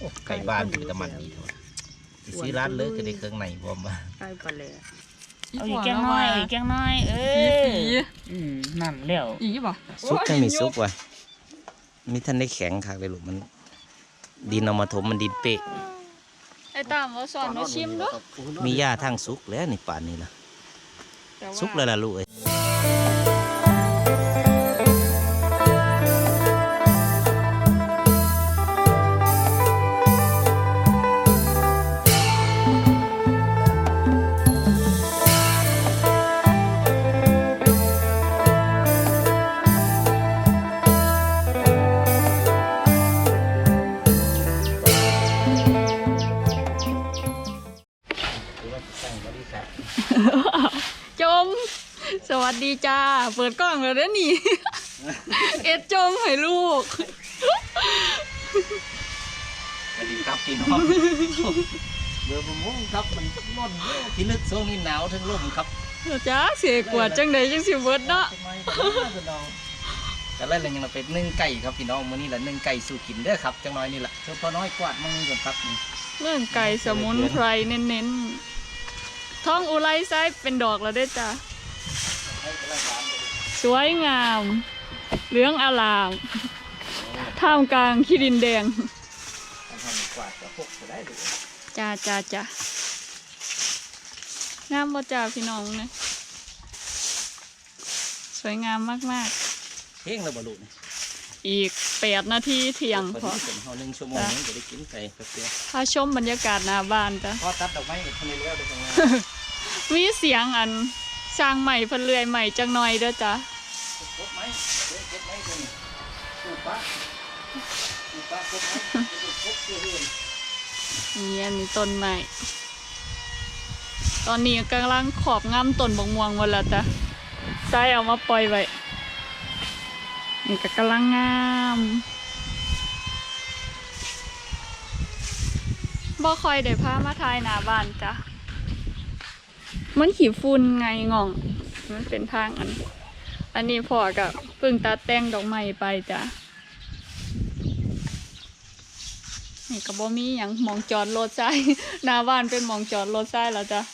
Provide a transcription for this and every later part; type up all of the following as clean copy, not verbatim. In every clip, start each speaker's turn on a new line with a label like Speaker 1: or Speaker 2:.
Speaker 1: ไก่บ้านเป็นตะมันดีเท่าซื้อร้านเลยก็ได้เครื่องในบอมมา
Speaker 2: ไก่ปลาแหล่
Speaker 3: เอาอีกแกงน้อยอีกแกงน้อยนั่นแล้ว
Speaker 2: อีกบ่
Speaker 1: ซุปยังมีซุปว่ะมีท่านได้แข็งคักเลยลูกมันดินเอามาถมมันดินเป๊ะ
Speaker 3: ไอ้ตามว่าสอนมาชิมด้วย
Speaker 1: มีหญ้าทางซุกแล้วนี่ป่านนี้ล่ะซุกแล้วล่ะลูกเอ้ย
Speaker 3: จมสวัสดีจ้าเปิดกล้องแล้วนะนี่ เอ็ดจมให้ลูก
Speaker 1: สวัสดีครับพี่น้องเบื่อผมงครับมันร้อนที่ลึกช่วงนี้หนาวทั้งลมครับ
Speaker 3: จ้าเสียกว่าจังใดจังสิเบิดเนาะ
Speaker 1: แต่แล้วยังเราเป็นนึ่งไก่ครับพี่น้องมื้อนี้แหละนึ่งไก่สู่กินเด้อครับจังน้อยนี่แหละเฉพาะน้อยกวาดมือก่อนครับ
Speaker 3: เรื่องไก่สมุนไพรเน้นๆท้องอุไรไซเป็นดอกแล้วได้จ้าสวยงามเหลืองอลามท่ามกลางขี้ดินแดงจ้างามบ่จ้าพี่น้องนะสวยงามมาก
Speaker 1: ๆเพ่งแล้วบ่ลูก
Speaker 3: อีก8 นาทีเที่ยงพอ
Speaker 1: 1 ชั่วโมงนึงจะได้กินไก่ครับเพื่อน
Speaker 3: พาชมบรรยากาศหน้าบ้านจ้ะ
Speaker 1: พอตัดดอกไม้กับคนในเรือได้จังไง
Speaker 3: มีเสียงอันช่างใหม่เพิ่นเลื่อยใหม่จังหน่อยเด้อจ้ะนี่มีต้นไม้ตอนนี้กำลังขอบงำต้นบกม่วงหมดแล้วจ้ะใส่เอามาปล่อยไว้นี่ก็กำลังงามบ่ค่อยได้พามาถ่ายหน้าบ้านจ้ะมันขี้ฝุ่นไงง่องมันเป็นทางอันนี้พ่อกับเพิ่งตัดแต่งดอกไม้ไปจ้ะนี่ก็บ่มีหยังมองจอดรถใช่หน้าบ้านเป็นมองจอดรถใช่แล้วจ้ะ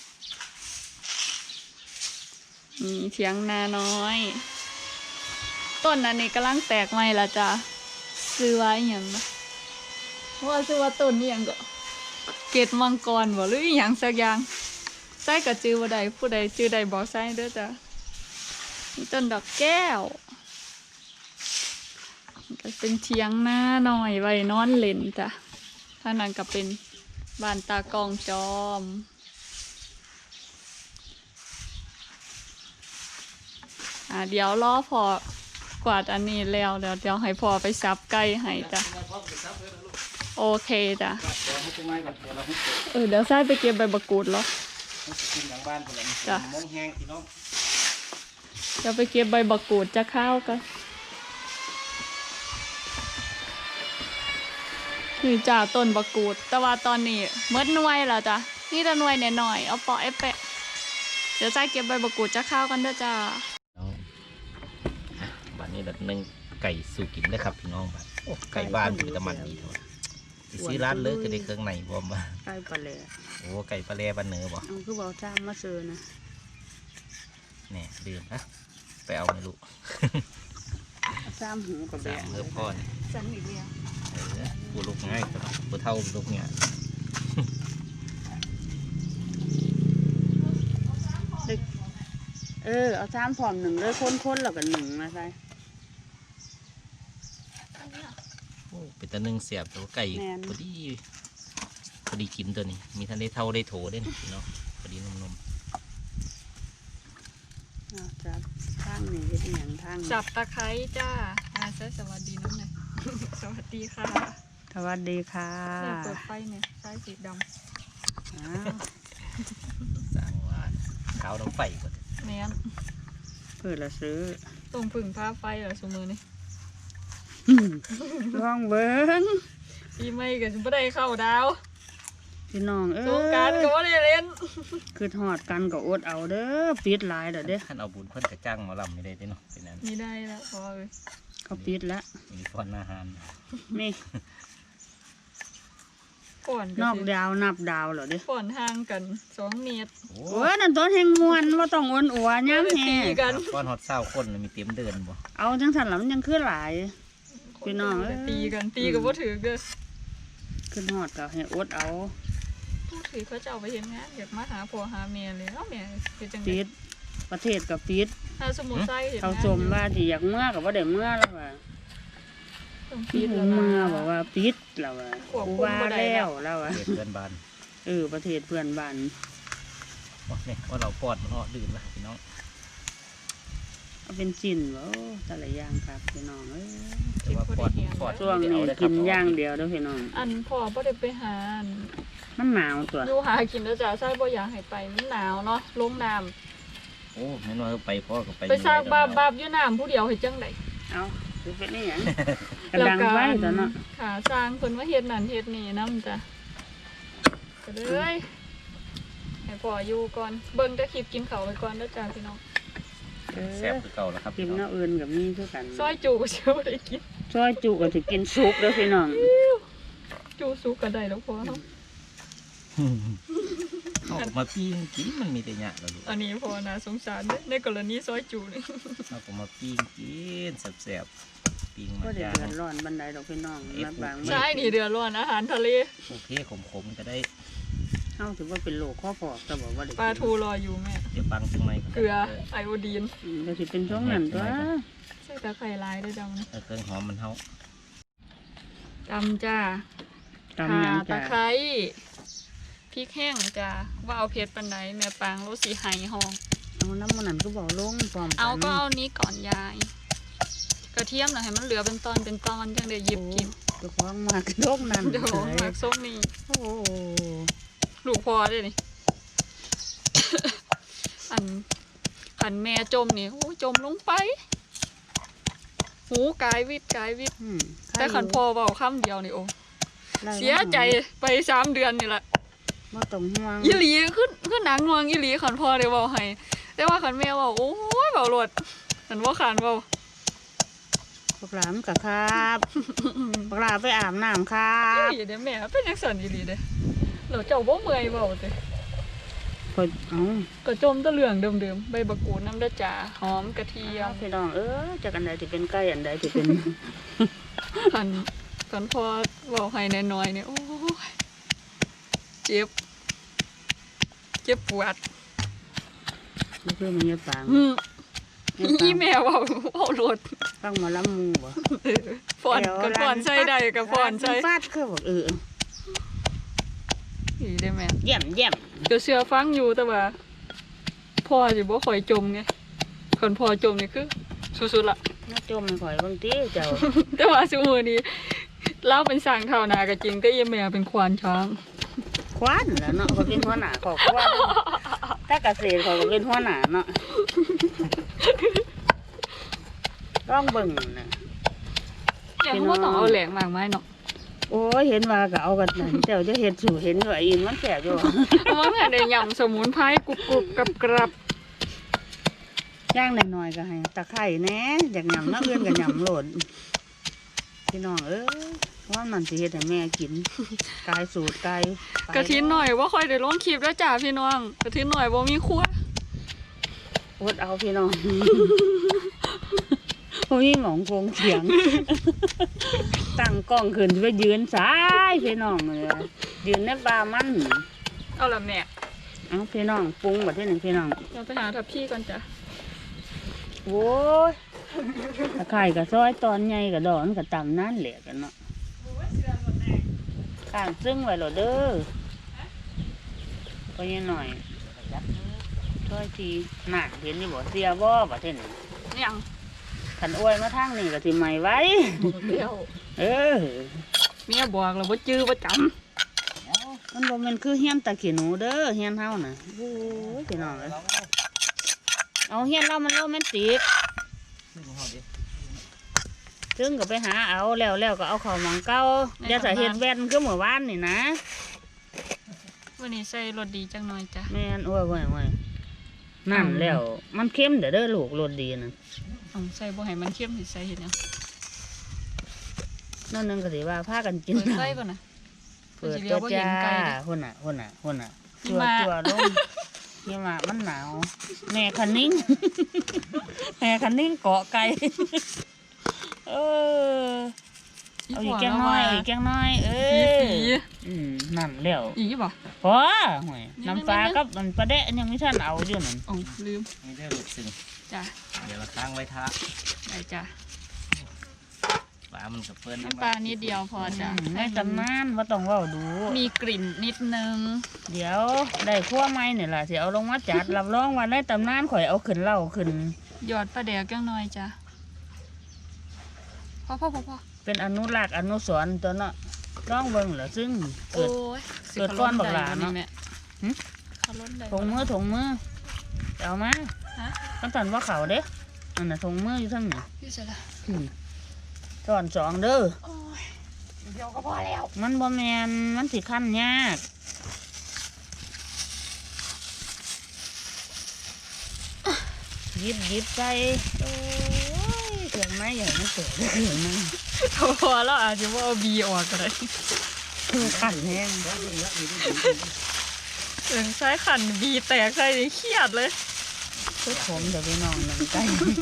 Speaker 3: นี่เถียงนาน้อยต้นอันนี้กำลังแตกใหม่ละจ้ะซื้อไว้อย่างนะว่าซื้อว่าต้นนี่ยังก็เกตมังกรบ่หรืออย่างสักอย่างใส่กับจื้อว่าใดผู้ใดจื้อใดบอกใส่เด้อจ้ะนี่ต้นดอกแก้วก็เป็นเถียงหน้าหน่อยไว้นอนเล่นจ้ะท่านั้นก็เป็นบ้านตากองจอมเดี๋ยวรอพอกวาดอันนี้แล้วเดี๋ยวให้พอไปซับไก่ให้จ้ะโอเคจ้ะเดี๋ยวใส่ไปเก็บใบบักกูดหรอจ้ะเดี๋ยวไปเก็บใบบักกูดจะข้าวกันนี่จ้าต้นบักกูดแต่ว่าตอนนี้เมื่อหน่วยแล้วจ้ะนี่แต่หน่วยหน่อยเอาปอไอ้แปะเดี๋ยวใส่เก็บใบบักกูดจะข้าวกันเด้อจ้า
Speaker 1: บ้านนี้แบบนึ่งไก่สู่กินได้ครับพี่น้องบ้านไก่บ้านเป็นตะมันดีเท่าซื้อร้านเลยก็ได้เครื่องในบอมมา
Speaker 2: ไก่ปลาแหล่
Speaker 1: โอ้ไก่ปลาแหล่บ้านเหนือบ่
Speaker 2: คือบอกจ้างมาซื้อนะ
Speaker 1: เนี่ยดื่มนะไปเอาไม่รู้
Speaker 2: 3 หูกับแบบ
Speaker 1: เพิ่มพ่อเนี่ย
Speaker 3: สันอีกแล้ว
Speaker 1: กูลุกง่ายกูเท่าลุกเนี่ย
Speaker 2: เอา3 พร้อม1เลยค้นๆแล้วก็1มาใส่
Speaker 1: เป็นตะนึ่งเสียบตัวไก่พอดีกินตัวนี้มีท่านได้เท่าได้โถได้พี่น้องพอดีนม
Speaker 2: จับทางนี้เป็นอย่างทาง
Speaker 3: จับตะไคร้จ้าสวัสดีน้องหน่อยสวัสดีค่ะ
Speaker 2: สวัสดีค่ะ
Speaker 3: เปิดไฟเนี่ยไฟสีดำ
Speaker 1: สร้างว่าขาวน้ำไฟก่อน
Speaker 3: เนี้ย
Speaker 2: เปิดละซื้อ
Speaker 3: ตรงผึ่งผ้าไฟเหรอสมือนี่
Speaker 2: ลองเบิ้ง
Speaker 3: ปีใหม่กับฉันไม่ได้เข้าดาว
Speaker 2: พี่น้อง
Speaker 3: สงการก็ว่าได้เล่น
Speaker 2: คือหอดกันก็อดเอาเด้อปิดลายเด้อ
Speaker 1: ท่านเอาบุญเพิ่นกระจ้างหมอลำไม่ได้เนาะเป็นนั้น
Speaker 3: มีได้แล้วพอเลย
Speaker 2: เขาปิดแล้ว
Speaker 1: มีฟอนอาหาร
Speaker 2: นี่
Speaker 3: ก่อน
Speaker 2: นอกดาวนับดาวเหรอเด้
Speaker 3: ก่อนห่างกัน2 เมตร
Speaker 1: โอ้
Speaker 2: โอ้ยนั่นต้นแห่งมวนว่าต้องอ้วนอัวย่ำ
Speaker 3: ตี
Speaker 2: แฮ่
Speaker 3: กัน
Speaker 1: ก้อนฮอตเศร้าคนน่ะมีเต็มเดินบ่
Speaker 2: เอาจังสันหลัมันยังขึ้นหลาย พี่น้องเอ้ย
Speaker 3: ตีกันตีกับบ่ถือเด้อ
Speaker 2: ขึ้นหอดกับให้อดเอา
Speaker 3: ผู้ถือเขาจะเอาไปเห็นงานอยากมาหาพ่อหาแม่เลยเอ้าแม่เป็นจังได๋
Speaker 2: ปิดประเทศกับปิด
Speaker 3: ถ้าสมมุติใส่เห็น
Speaker 2: เขา
Speaker 3: งาน
Speaker 2: ชมว่าที่อยากเมื่อกับว่าได้เมื่อแล้วว่า
Speaker 3: ต้อง
Speaker 2: ปิ
Speaker 3: ปิ
Speaker 2: ด
Speaker 3: ดแล้ว
Speaker 2: เมื่อ
Speaker 3: ล่ะ
Speaker 2: บอกว่าปิดแล้วว่า
Speaker 3: ควบคุม
Speaker 2: กูว่า
Speaker 3: บ่ได้
Speaker 2: แล้
Speaker 3: แล้ว
Speaker 2: วแล้วว่า
Speaker 1: เด็ดเพื่อนบ้าน
Speaker 2: ประเทศเพื่อนบ้าน
Speaker 1: ว่าเนี่ยว่าเราปอดมันออดื่นละพี่น้อง
Speaker 2: เอาเป็นจินวะแต่ละอย่างครับพี่น้องเอ้ย
Speaker 1: แต่ว่าปอด
Speaker 2: ช่วงนี้กินอย่างเดียวเด้อพี่น้อง
Speaker 3: อันพ่อบ่ได้ไปหาอัน
Speaker 2: มันหนาวตัว
Speaker 3: อยู่หากินแล้วจ้ะใส่บ่อยากให้ไปมันหนาวเนาะลงน้ำ
Speaker 1: โอ้แม่นว่าไปพ่อก็ไป
Speaker 3: ไปสร้างบาปอยู่น้ำผู้เดียวเฮ็ดจังได๋
Speaker 2: เอาคือเป็นนี่หยังกระดังไว้ตัวเนาะ
Speaker 3: ค่ะสร้างเพิ่นมาเฮ็ดนั่นเฮ็ดนี่นำจ้ะก็เลยให้พ่ออยู่ก่อนเบิ่งแต่คลิปกินข้าวไว้ก่อนเด้อจ้าพี่น้อง
Speaker 1: แซ่บคือเก่าแล้วครับ
Speaker 2: กินเนื้ออื่นกับมีคือกัน
Speaker 3: ซอยจูก็สิบ่ได้กิน
Speaker 2: ซอยจุก็สิกินซุปเด้อพี่น้อง
Speaker 3: จูสุกก็ได้แล้วพ่อเนาะ
Speaker 1: เอาออกมาปิ้งกินมันมีแต่หยะแล้วลูก
Speaker 3: อันนี้พ่อน่าสงสารเด้อในกรณีซอยจูนี่
Speaker 1: เอาออกมาปิ้งกินแซ่บๆปิ้ง
Speaker 2: ก็
Speaker 1: มา
Speaker 2: ได้
Speaker 1: ย่าง
Speaker 2: เดือดร้อนบันไดดอกพี่น้องนับบาง
Speaker 3: ใช่นี่เดือดร้อนอาหารทะเล
Speaker 1: โอเคขมๆก็ได้
Speaker 2: เฮาถือว่าเป็นโรคข้อพอกแต่บอกว่าได้
Speaker 3: ปลาทูรออยู่แม่
Speaker 1: เดี๋ยวปังจังไหน
Speaker 3: เกลือไอโอดีน
Speaker 2: ก็สิเป็นช่วงนั้นตัว
Speaker 3: ใส่ตะไคร้ลายด้วยจัง
Speaker 1: เครื่องหอมมันเท่า
Speaker 3: ตำจ้า
Speaker 2: ตำหยัง
Speaker 3: ตะ
Speaker 2: จ้ะ
Speaker 3: ไคร้พริกแห้งจ้าว่าเอาเผ็ดปานใดแม่ปางรสสีไห้ห้อง
Speaker 2: เอาน้ำมันนั่นก็บอกลงพร้อมกัน
Speaker 3: เอาก็เอานี้ก่อนยาย กระเทียมน่ะให้มันเหลือเป็นตอนจังได้หยิบกิน
Speaker 2: เจะคล้าของมากโลกนั้น
Speaker 3: เดี๋ยวหมักส้มนี่
Speaker 2: โอ้โห
Speaker 3: ลูกพอได้นี่ อันแม่จมนี่โอ้จมลงไปหูกายวิทย์
Speaker 2: อืม
Speaker 3: แต่ขันพอเบาคำเดียวนี่โอ้
Speaker 2: ไล่
Speaker 3: เสียใจไป3 เดือนนี่แหละ
Speaker 2: บ่ต้องห่วง
Speaker 3: อีหลีขึ้นหนังงวงอีหลีขันพอได้เบาให้แต่ว่าขันแม่เบาโอ้ยเบาโลดขันว่าขันเบา
Speaker 2: พวกหลานกะครับพวกหลานไปอาบน้ำครับ
Speaker 3: อีหลีเด้อแม่เป็นจังซั่นอีหลีเด้อเราเจ้าบ่เมื่อยเบาเด้
Speaker 2: ก็เอา
Speaker 3: ก็จมแตะเหลืองเดิมๆใบบักกูดน้ำเด้อจ้าหอมกระเทียม
Speaker 2: พี่น้องจากอันใดที่เป็นไก่อันใดที่เป็น
Speaker 3: ขันพอเบาให้น้อยๆเนี่ยโอ้ยเจ็บปวด
Speaker 2: นี่คือมันจะปัง
Speaker 3: อีแม่เบาโลด
Speaker 2: ฟังหมาล้ำมูบ่
Speaker 3: ฟ้อนกับฟ้อนใส่ได้กับฟ้อนใส่
Speaker 2: ฟาดคือบอก
Speaker 3: อีได้แม่
Speaker 2: เยี่ยมเยี่ยม
Speaker 3: ก็เชื่อฟังอยู่แต่ว่าพ่อสิบ่ค่อยจมไงคนพ่อจมนี่คือสุดๆละ
Speaker 2: น่าจมไม่ข่อยบางทีเจ้า
Speaker 3: แต่ว่าซุมื้อนี้เล่าเป็นสร้างเท่านาก็จริงแต่อีแม่เป็นควานช้าง
Speaker 2: คว้านแล้วเนาะเขาเป็นหัวหน้าขอคว้านถ้าเกษตรเขาก็เป็นหัวหน้าเนาะร้องเบิ่งนะ
Speaker 3: เนี่ยเขาบ่ต้องเอาแหลงมากมายเนาะ
Speaker 2: โอ้ยเห็นว่าก็เอากันนะเจ้าจะเห็ดสู่เห็นอยู่ไอ้อินมันแสบอยู่
Speaker 3: มันน่ะได้ยำสมุนไพรกรุบๆกรับ
Speaker 2: ย่างหน่อยๆก็ให้ตะไคร้แหน่อยากหยำน้ำเอื้อนก็หยำโหลดพี่น้องว่ามันสิเฮ็ดให้แม่กินกายสูตรกาย
Speaker 3: ๆกระทินหน่อยว่าค่อยได้ลงคลิปแล้วจ้าพี่น้องกระทินหน่อยบ่มีครัว
Speaker 2: อดเอาพี่น้องพวกนี้หมองคงเถียง ตั้งกล้องขึ้นไปยืนสายพี่น้องเลยยืนในป่ามัน
Speaker 3: เอาละแม่
Speaker 2: เอาพี่น้องปรุงแบบที่หนึ่งพี่น้อง
Speaker 3: เราไปหาทับพี่ก่อนจ้ะ
Speaker 2: โว้ยตะไคร่กับซอยตอนใหญ่กับดอนกับตำนั่นแหละกันเนาะข้างซึ่งไว้หรอเด้อก็ยังหน่อยซอยทีหนักเห็นนี่บ่เสียบ่แบบที่หนึ่ง
Speaker 3: ยัง
Speaker 2: ขันอ้วยมาทางนี่ก็สิใหม่ไว้
Speaker 3: เดียว
Speaker 2: เมี
Speaker 3: เมียบอกเราบ่จื้อบ่จ
Speaker 2: มันบ่แม่นคือเฮียนตะขี้หนูเด้อเฮียนเฮาน่ะโอ้ยพี่น้องเอ้ยเอาเฮียนเรามันโรแมนติกถึงก็ไปหาเอาแล้วก็เอาเข้าหมองเก่าอย่าใส่เฮ็ดแว่นคือเมื่อวานนี่นะ
Speaker 3: ำวันนี้ใส่รสดีจังหน่อยจ้ะ
Speaker 2: แม่นโอ้ยนั่นแล้วมันเค็มเด้อลูกรสดีน่ะ
Speaker 3: เอาใส่บ่ให้มันเข้มสิใส่เฮ็ดหยัง
Speaker 2: นั่นนึงก็สิว่าพากันกิน
Speaker 3: เปิดไฟก่อนนะ
Speaker 2: เปิดตัวจ้าหุ่นอ่ะจั่วลงนี่มามันหนาวแม่คันนิ่ง แม่คันนิ่งเกาะไก่เอาอีกแกงน้อยนั่นแล้ว
Speaker 3: อีกบ่
Speaker 2: พอห่วยน้ำปลากับมันปลาแดะยังไม่ทันเอาอยู่นั่น
Speaker 3: อ๋อลืม
Speaker 1: นี่ได้ลูกซึ่ง
Speaker 3: จ้ะ
Speaker 1: เดี๋ยวเราตั้งไว้ท่า
Speaker 3: ได้จ้ะ
Speaker 1: ปลามันกับเปิ้ล
Speaker 3: น้ำปลานิดเดียวพอจ้ะ
Speaker 2: ในตำนานว่าต้องเว้าดู
Speaker 3: มีกลิ่นนิดนึง
Speaker 2: เดี๋ยวได้คั่วไม้เนี่ยล่ะสิเอาลงมาจัดรับรองว่าในตำนานข่อยเอาขึ้นเล่าขึ้น
Speaker 3: หยอดปลาแดกจังหน่อยจ้ะพอ
Speaker 2: เป็นอนุรักษ์อนุสรณ์ตัวเนาะร้องเบิ่งเหรอซึ่ง
Speaker 3: โอ้ย
Speaker 2: เกิดก้อนบักหลาเนาะ
Speaker 3: เขาล้นได้
Speaker 2: ถุงมือเอามา
Speaker 3: ฮะ
Speaker 2: ตั้งแต่ว่าเขาเด้อันน่ะถุงมืออยู่ทั้งนี้
Speaker 3: พี่เสร็จละ
Speaker 2: สอนสองเด้อ
Speaker 3: โอ้ยเดียวก็พอแล้ว
Speaker 2: มันบ่แมนมันสิขั้นยากหยิบใส่โอ้ยเกิดไม้ใหญ่มันเกิดได้ถึงนึง
Speaker 3: พอแล้วอาจจะว่าเอาบีออกก็ได้
Speaker 2: ขั้นแห้ง
Speaker 3: ถึงใช้ขันบีแตกใส่เครียดเลย
Speaker 2: ทุกผมเดี๋ยวไปนอนหนังไก่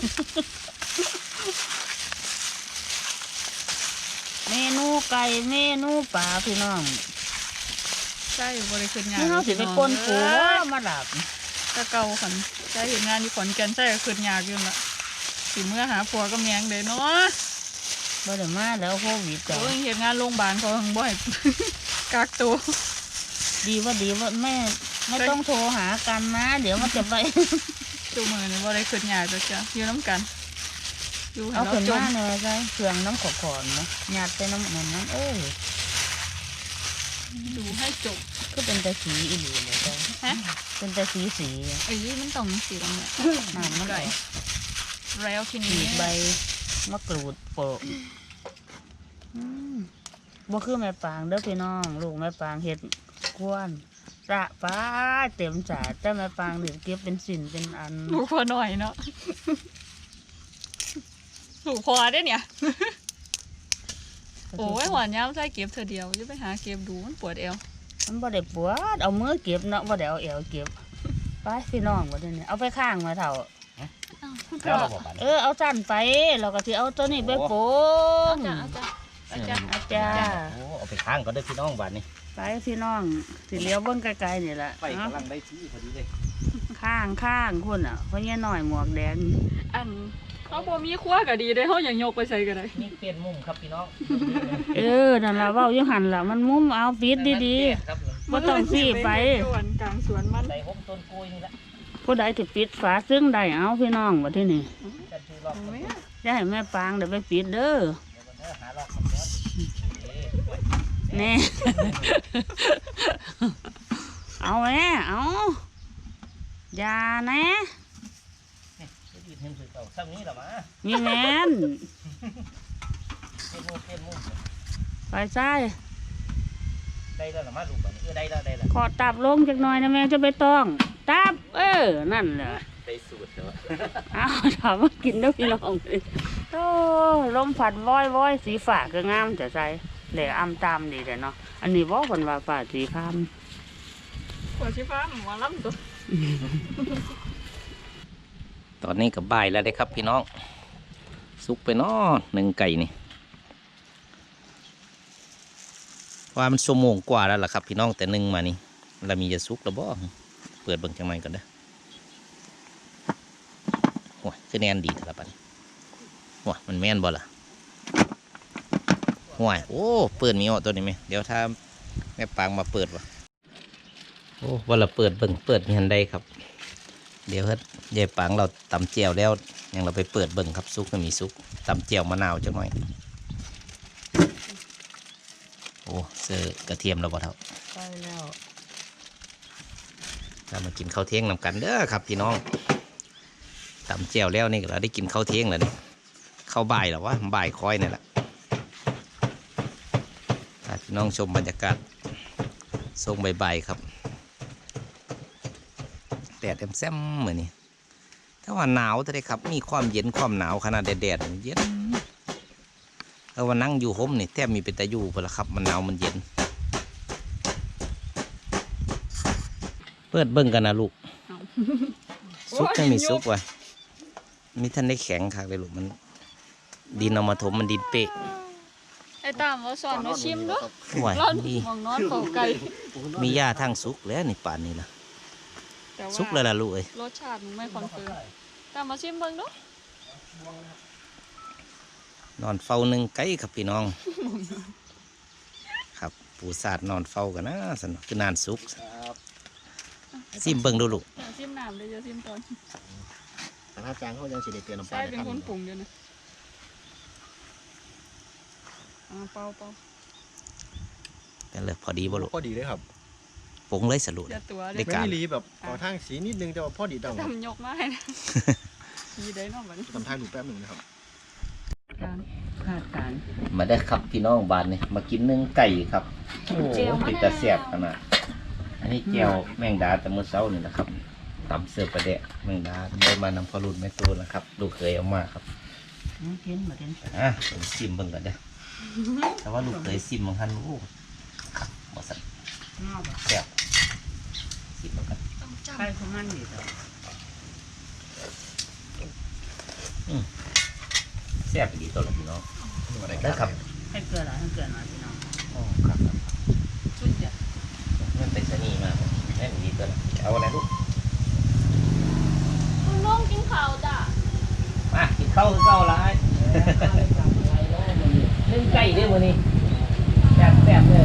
Speaker 2: เมนูไก่เมนูปลาพี่น้อง
Speaker 3: ใช่บริขึ้นงาน
Speaker 2: นี่เขาสิไปกวนปูว่ามาหลับ
Speaker 3: ตะเกาขันใช่เห็นงานที่ขอนแก่นใช่ก็ขึ้นยากอยู่ละสิเมื่อหาผัวก็แมงเลยเนาะ
Speaker 2: บ่ได้มาแล้วโควิดจ้ะ
Speaker 3: โอ้ยเห็นงานโรงพยาบาลเขาทั้งบ่อย กักตัว
Speaker 2: ดีว่าแม่ไม่ต้องโทรหากันนะ เดี๋ยวมันจะไป
Speaker 3: ตัวมือนี่บ่ได้ขึ้นยากจ้ะอยู่น้ำกันอยู่ให้
Speaker 2: เอา
Speaker 3: เรา
Speaker 2: ขึ้น
Speaker 3: จ
Speaker 2: มาม เลยใช่เครื่องน้ำขอนๆนะหยาดไปน้ำมันนั้น
Speaker 3: ดูให้จบ
Speaker 2: ก็เป็นแต่สีอีหลีเลยจ้ะ
Speaker 3: ฮะ
Speaker 2: เป็นแต่สี
Speaker 3: ไอ้ยมันต้องสีตรงเนี้ย
Speaker 2: น้ำมัน
Speaker 3: ไก่
Speaker 2: ออก
Speaker 3: แล้วที
Speaker 2: ขี
Speaker 3: นี้
Speaker 2: ดใบมะกรูดโปะบ่คือแม่ปางเด้อพี่น้องลูกแม่ปางเฮ็ดกวนระป้าเต็มจาดแต่แม่ปางเดี๋ยวเก็บเป็นสินเป็นอัน
Speaker 3: ลูกพอหน่อยเนาะลูกพอได้เนี่ย โอ้ยหวานย้ำใส่เก็บเธอเดียวอย่าไปหาเก็บดูมันปวดเอว
Speaker 2: มันบ่ได้ปวดเอามือเก็บเนาะบ่ได้เอาเอวเก็บไปพี่น้องบ่ได้เนี่ยเอาไปข้างมาเถ่า
Speaker 1: แล้วเราบอกปัน
Speaker 2: เอาสั้นไปเราก็สิเอาตัวนี้ไปโปง
Speaker 3: อาจารย์
Speaker 2: อาจารย์
Speaker 1: โอ้เอาไปข้างก็ได้พี่น้องบ้านนี้
Speaker 2: ไปพี่น้องสิเลี้ยวเบิ่งไกลๆนี่แหละ
Speaker 1: ไฟกำลังได้ที่พอดีเลย
Speaker 2: ข้างคุณอ่ะเพราะเนี่ยหน่อยหมวกแดง
Speaker 3: อันเขาบ่มีครัวก็ดีได้เขาอย่างยกไปใส่ก็ได้
Speaker 1: นี่เปลี่ยนมุมครับพี่น้อง
Speaker 2: นั่นล่ะเว้าอยู่หั่นล่ะมันมุมเอาปิดดีๆบ่ต้องสิไป
Speaker 3: กลางสวนมัน
Speaker 1: ใส่ห้มต้นกล้วยนี่ละ
Speaker 2: ผู้ใดที่ปิดฝาซึ่งได้เอาพี่น้องว่าที่นี่
Speaker 1: จะชูรอบต้นกล้วย
Speaker 2: จะให้แม่ปางเดี๋ยวไปปิดเด้อ
Speaker 1: เดี๋ยวมันหารอบก่อน
Speaker 2: แน่ เอาแม่เอาอย่าแน่
Speaker 1: จะยืนเห็นสื่อเก่าซ้ำนี้หรอมา
Speaker 2: มีแม่น
Speaker 1: เปลี่ยนมุม
Speaker 2: ไปใส่
Speaker 1: ได้แล้วหรอมาลูกบ้านนี้ได้แล้ว
Speaker 2: ขอตับลงจักหน่อยนะแม่จะไปต้องตับนั่นแหละ
Speaker 1: ได้สูตรแล้ว
Speaker 2: เอาถามว่ากินได้พี่น้องโอ้ลมผัดว้อยสีฝาก็งามจะใส่เหล่อำตามดีแต่เนาะอันนี้บอกคนว่าฝาสีค
Speaker 3: หัวชิฟ้าหัวล้ำตัว
Speaker 1: ตอนนี้กับบ่ายแล้วได้ครับพี่น้องสุกไปเนาะหนึ่งไก่นี่ว่ามันชั่วโมงกว่าแล้วล่ะครับพี่น้องแต่หนึ่งมานี่เรามีจะสุกแล้วบ่เปิดเบิ่งจังไหนก่อนเด้อโอ้ยคือแน่นดีแต่ละปันว้ามันแม่นบ่ล่ะห่วยโอ้เปิดมีออกตัวนี้ไหมเดี๋ยวถ้าแม่ปางมาเปิดวะโอ้ว่าเราเปิดเบิ่งเปิดมีหันใดครับเดี๋ยวเฮ็ดยายปางเราตำเจียวแล้วยังเราไปเปิดเบิ่งครับซุกก็มีซุกตำเจียวมะนาวจังหน่อยโอ้เสื้อกระเทียมเราบ่เท่า
Speaker 2: ำไปแล้ว
Speaker 1: เรามากินข้าวเที่ยงนำกันเด้อครับพี่น้องตำเจียวแล้วนี่เราได้กินข้าวเที่ยงแล้วนี่ข้าวบ่ายหรอวะบ่ายคอยนี่แหละพี่น้องชมบรรยากาศทรงบ่ายๆครับแดดแซมๆเหมือนนี่ถ้าว่าหนาวจะได้ครับมีความเย็นความหนาวขนาดแดดเย็นถ้าว่านั่งอยู่ห่มนี่แทบมีเป็นตะยูพอละครับมันหนาวมันเย็นปิดเบิ่งกันนะลูก
Speaker 3: เอา
Speaker 1: ซุกไม่มีซุกว่ะมีท่านได้แข็งคักเลยลูกมัน ดินเอามาถมมันดินเป๊ะ
Speaker 3: ไอ้ตามว่าสอนมาชิมด้วย
Speaker 1: ไหว
Speaker 3: เรา
Speaker 1: ดี
Speaker 3: มองนอนเขาไก่
Speaker 1: มีหญ้าทั้งซุกแล้วนี่ป่านนี้นะ
Speaker 3: แต่ว่า
Speaker 1: ซุกแล้วล่ะลูกเอ้ย
Speaker 3: รสชาติมันไม่คอนเฟิร์มตามมาชิมเบิ่งเนาะ
Speaker 1: นอนเฝ้าหนึ่งไก่ครับพี่น้อง ครับปูสาดนอนเฝ้ากันนะสนุกคือนานซุกซิมเบิ่งดูลูก
Speaker 3: อย่าชิมน้ำเลยอย่าชิมตอน
Speaker 4: แต่ถ้าจางเขายังสิได้เตือนน้ำปลา
Speaker 3: ใช่เป็นคนปรุงเดียวนะเป่า
Speaker 1: เป็นเลยพอดีบ่ลูก
Speaker 4: พอดีเลยครับ
Speaker 1: ปรุงเลยสรุป
Speaker 3: อย่าตัว
Speaker 1: ได้
Speaker 3: เด็ก
Speaker 1: การ
Speaker 4: ไม่รีแบบขอทางสีนิดนึงแต่ว่าพอดีดัง
Speaker 3: ทำยกมาให้นะมีได้เนอกบัดนี้
Speaker 4: ทำทางดูแป๊บหนึ่งนะครับ
Speaker 3: การ
Speaker 2: คาดการณ์
Speaker 1: มาได้ครับพี่น้องบ้านนี่มากินนึ่งไก่ครับโอ้
Speaker 3: เจียวมะนาว
Speaker 1: เป็นตาแซ่บขนาดอันนี้แก้วแมงดาแต่เมื่อเช้านี่นะครับตำเสือประเดะแมงดาได้มานำพอรุ่นแม่ตัวนะครับลูกเคยเอามาครับ
Speaker 2: กินมาเด่น
Speaker 1: ผมซิมเบิ่งก่อนเด้อแต่ว่าลูกเคยซิมบางท่านโอ้ครับบ่สั่น
Speaker 2: งอกแบบ
Speaker 1: แซ่บซิมเบิ่งกัน
Speaker 3: ต้องจ
Speaker 2: ใครของมันดีต่อ
Speaker 1: แซ่บดีตัวละพี่น้อง
Speaker 4: มาได้
Speaker 1: ได้ครับ
Speaker 2: ให้เกลือหรอให้เกลือหน่อยพี่น้อง
Speaker 1: อ๋อครับ
Speaker 3: ำชุดเดียว
Speaker 1: มันเป็นชะนีมากแม่นดีตัวละเอาอะไรลูก
Speaker 3: น้องกินข้าวจ้ะ
Speaker 1: มากินข้าวคือข้าวร้ายเล่นไก่เด้อมื้อนี้แซ่บๆเลย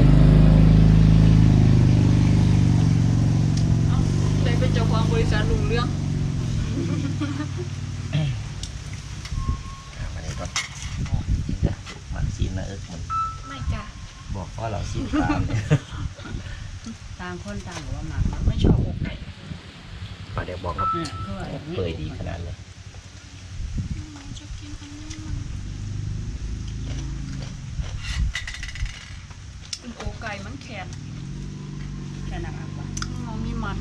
Speaker 3: เลยเป็นเจ้าของบริษัทลุงเรื่อง
Speaker 4: มาได้ก่อน
Speaker 1: กินจ้ะมันซีนนะมัน
Speaker 3: ไม่จ้ะ
Speaker 1: บอกว่าเราซีนตามเนี่ย
Speaker 2: ต่างคนต่างบอกว่าหมัก
Speaker 3: ไม่ชอบอกไก่
Speaker 4: ปลาเด็กบอกครับ
Speaker 2: เนี่ยคือว่าอย่างนี้
Speaker 1: เปื่อยดีขนาดเลย
Speaker 3: ชอบกินอันนี้เป็นโอไก่มันแข็ง
Speaker 2: แค่นั้นอ่ะว่ะ
Speaker 3: มันมีมัน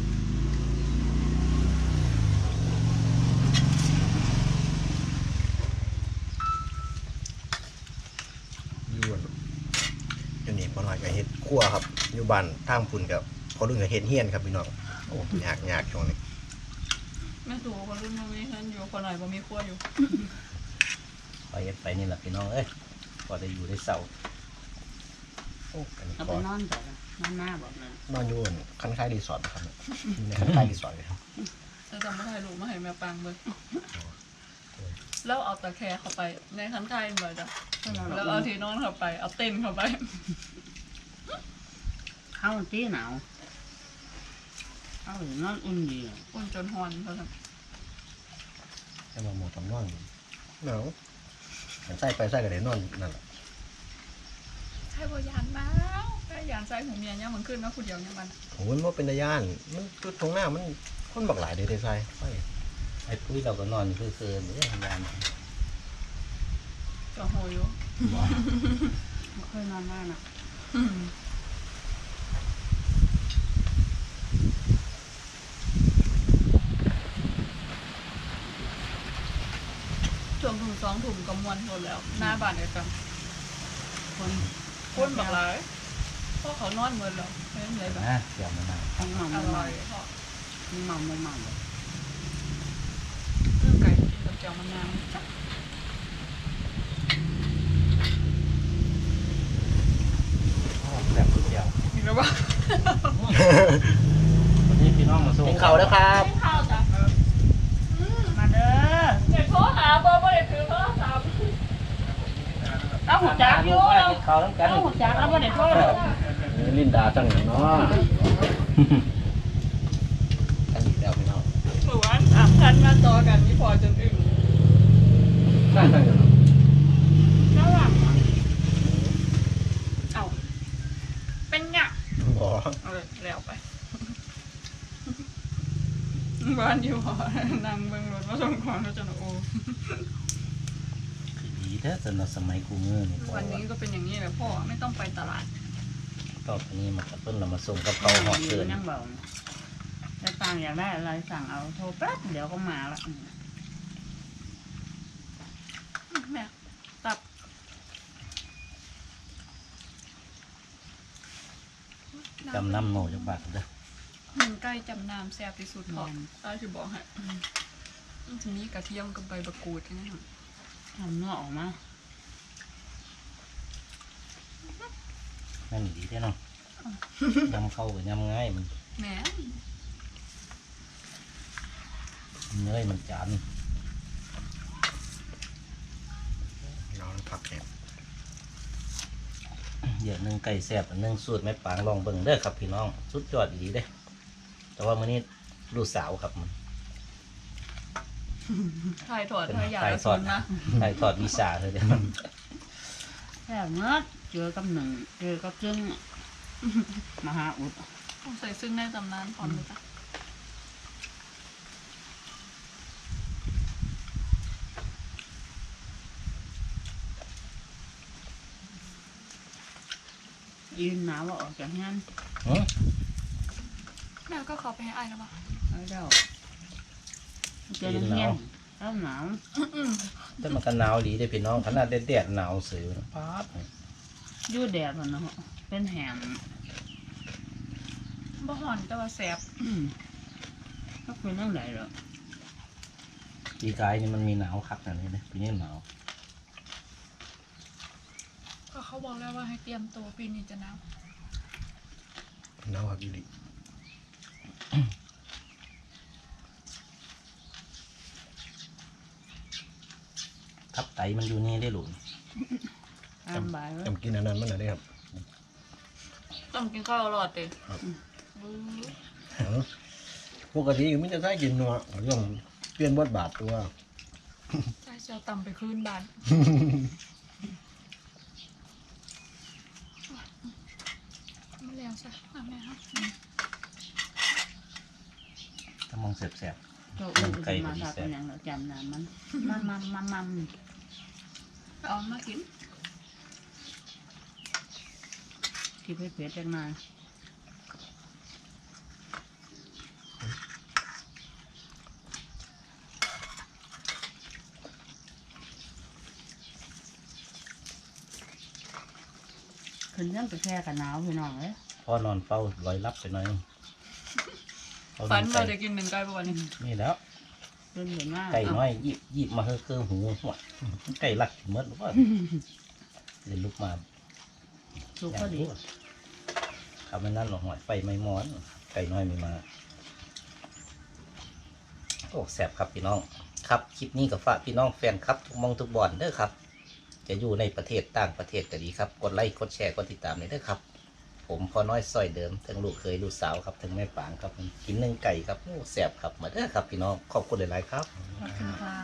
Speaker 4: อยู่นี่พอหน่อยกับเห็ดคั่วครับอยู่บ้านทางพุ่นกับพอรุ่นกับเห็ดเฮียนครับพี่น้องโอ้ยากช่วงนี้
Speaker 3: แม่ตัวคนรุ่นนี้ฉันอยู่คนไหนบ่มีครัวอยู่
Speaker 1: ไปเฮ็ดไปนี่แหละพี่น้องเอ้ยพอได้อยู่ได้เศร้า
Speaker 4: โอ้อันนี้
Speaker 2: เอา
Speaker 4: ก็
Speaker 2: ไปนอนต่อนะนอนหน้าบอกเลย
Speaker 4: นอนอยู่คันคล้ายรีสอร์ทนะครับอยู่ในคันคล้ายรีสอร์ทเลยครับ
Speaker 3: จะจำไม่ได้ลูกมาให้แม่ปังเบิ่งแล้วเอาตะแคร์เข้าไปในคันไทยเลยจ้ะแล้วเอาที่นอนเข้าไป เอาเต้นเข้าไป
Speaker 2: เข้าตีหนาวเข้าหรือนอนอุ่นดีอะ
Speaker 3: อุ่นจนฮอนเขาท
Speaker 4: ให้มาหมดทำนอนหนาวมันใส่ไปใส่กันได้นอนนั่นแหละ
Speaker 3: ำใช่บ่ยานมาใช่ยานใส่หูเมียเนี่ยมันขึ้นนะคุณเดียวเนี่ยมัน
Speaker 4: โอ้ยมันเป็นตะย่านมันจุดตรงหน้ามันคนบักหลายเด้ได้ใส่ไป
Speaker 1: ไอ้ปุ้ยเราก็นอนคือๆนี่ทำงาน
Speaker 3: จะโหยอยู่
Speaker 2: ไม่เคยนอนหน้านะ
Speaker 3: ช่วงถุง2 ถุงก็มวนหมดแล้ว หน้าบ้านเดียวกัน
Speaker 2: คน
Speaker 3: คนบักหลายเพราะเขานอนหมดแล้วไม่เป็นไรบ้าง
Speaker 1: นะเดี๋ยวมันมา
Speaker 2: ต้องเมา
Speaker 3: อ
Speaker 2: ไม่
Speaker 3: ร่
Speaker 2: เมา
Speaker 3: อยเพราะ
Speaker 2: ไม่เมาไม่เมาเลย
Speaker 3: เรื่องไก่กินกับแจ่วมะนาวจ้ะ
Speaker 1: แบบสุดเดียว
Speaker 3: มีแล้วบ้าง
Speaker 1: วันนี้พี่น้องมาส่ง
Speaker 4: กินข้าวแล้วครับ
Speaker 3: ข้าวจ้ะ
Speaker 2: มาเด้อ
Speaker 3: เด็กโทรหาเบอร์ไม่ได้ถือโทรศัพท์
Speaker 2: เอาหัวจักอยู่
Speaker 1: กินข้าวน้ำกัน
Speaker 2: เอาหัวจักแล้วไม่ได้โทษ
Speaker 4: ลินดาจังอย่างเนาะ
Speaker 1: กันอีกแล้วพี่น้อง
Speaker 3: หมู่บ้านท่านมาต่อกันนี่พอจนอึ้ง
Speaker 4: ตั้งอย่าง
Speaker 3: น่ารักอ่ะเอ้าเป็นไง
Speaker 4: บ่
Speaker 3: เอาเลยแล้วไป บ้านอยู่หอนั่งเบิ่งรถมาส่งของแล้วจนโอ้
Speaker 1: คือดีแท้สำหรับสมัยกูเงื่อนี่พอ
Speaker 3: วันนี้ก็เป็นอย่างนี้แหละพ่อไม่ต้องไปตลาด
Speaker 1: ต่อไปนี้มากระตุ้นเรามาส่งกับเขาหอดเกิน
Speaker 2: นั่งเบาจะตังอยากได้อะไรสั่งเอาโทรแป๊บเดี๋ยวก็มาละ
Speaker 3: แม่ตับ
Speaker 1: จำน้ำโนจักบาทเด้อ
Speaker 3: หนึ่งใกล้จำน้ำแซ่บที่สุดพอตาจะบอกให้มันจะมีกระเทียมกับใบมะกรูดนี่ค่ะ
Speaker 2: ทำเนื้อออกมา
Speaker 1: นั่นดีแท้เนาะยำเข้ากับยำง่ายมัน
Speaker 3: แหม
Speaker 1: เนื้อมันจาน
Speaker 4: น้องผักเนี่ย
Speaker 1: เดี๋ยวนึ่งไก่แซ่บอันนึ่งสูตรแม่ปางลองเบิ่งเด้อครับพี่น้องสุดยอดดีเด้แต่ว่ามื้อนี้ลูกสาวครับมัน
Speaker 3: ถ่ายถอด
Speaker 1: เป็น
Speaker 3: ถ่ายยา
Speaker 1: ถ่าย
Speaker 3: ละ
Speaker 1: ท
Speaker 3: สุ
Speaker 1: อด
Speaker 3: นนะ
Speaker 1: ถ่ายทอดวิชาเธอเด้อ
Speaker 2: แค่เมื่อเจอกับหนึ่งเจอกับจึงมหาอุด
Speaker 3: ต้องใส่ซึ่งในตำนานพร้อมเลยจ้ะ
Speaker 2: ยืนหนาวว่าออกจากงาน
Speaker 1: หือ
Speaker 3: แม่ก็ขอไปให้อายแล้วป่ะ
Speaker 2: เอาเด้าเจอเงี้ยแล้วหนาว
Speaker 1: แต่มันก็หนาวดีเด้อพี่น้องขนาดแดดๆหนาวซื่อป๊าด
Speaker 2: ยู่แดดมันเนาะเป็นแหม
Speaker 3: บ่ห่อนแต่ว่าแสบ
Speaker 2: ก็เป็นเรื่องไรหรอ
Speaker 1: ปีกายนี่มันมีหนาวคักอันนี้เด้อปีนี้หนาว
Speaker 3: ก็เขาบอกแล้วว่าให้เตรียมตัวปีนี้จะหนาว
Speaker 4: น้องผักอีหลี
Speaker 1: ทับไตมันอยู่นี่ได้หลุน
Speaker 2: ตามบ่ายแล้ว
Speaker 4: จำกินอันนั้นมันอะไรครับ
Speaker 3: ต้องกินข้าวรอดเต็
Speaker 4: ปกติก็ไมแต่จะได้กินเนาะเรื่องเปลี่ยนบทบาทตัว
Speaker 3: ใช่เชียวต่ำไปคืนบ้านไม่แล้วใช่แม่ครับ
Speaker 1: ถ้ามองแสบ
Speaker 2: โตอุ้ยจะมาทักเป็นอย่างเราจำนานมันมัน
Speaker 3: เอามากิน
Speaker 2: ที่เผ็ดๆจังนานขึ้นเรื่องไปแค่กันหนาวพี่น้องเลย
Speaker 1: ๆพ่อนอนเฝ้าลอยลับไปหน่อยเอา
Speaker 3: ฝัน
Speaker 1: ไก่
Speaker 3: เราจะกินหนึ่งไก่ประวันนี้
Speaker 1: นี่แล้ว
Speaker 2: เป็นเหมือนว่า
Speaker 1: ไก่น้อยยิบมาคือหูหัวไก่ลักเมดหรือว่าเดินลุกมา
Speaker 2: สุกก็ดี
Speaker 1: ทำไม่นั่นหรอกหอยไฟไม่มอนไก่น้อยไม่มาโอ้แสบครับพี่น้องครับคลิปนี้กับฝากพี่น้องแฟนครับทุกมองทุกบอนเด้อครับ จะอยู่ในประเทศต่างประเทศก็ดีครับกดไลค์กดแชร์กดติดตามเลยเด้อครับ ผมพอน้อยซอยเดิมทั้งลูกเคยลูกสาวครับทั้งแม่ปางครับกินนึ่งไก่ครับโอ้แสบครับมาเด้อครับพี่น้องขอบคุณหลายๆครับ
Speaker 2: ขอบคุณค่ะ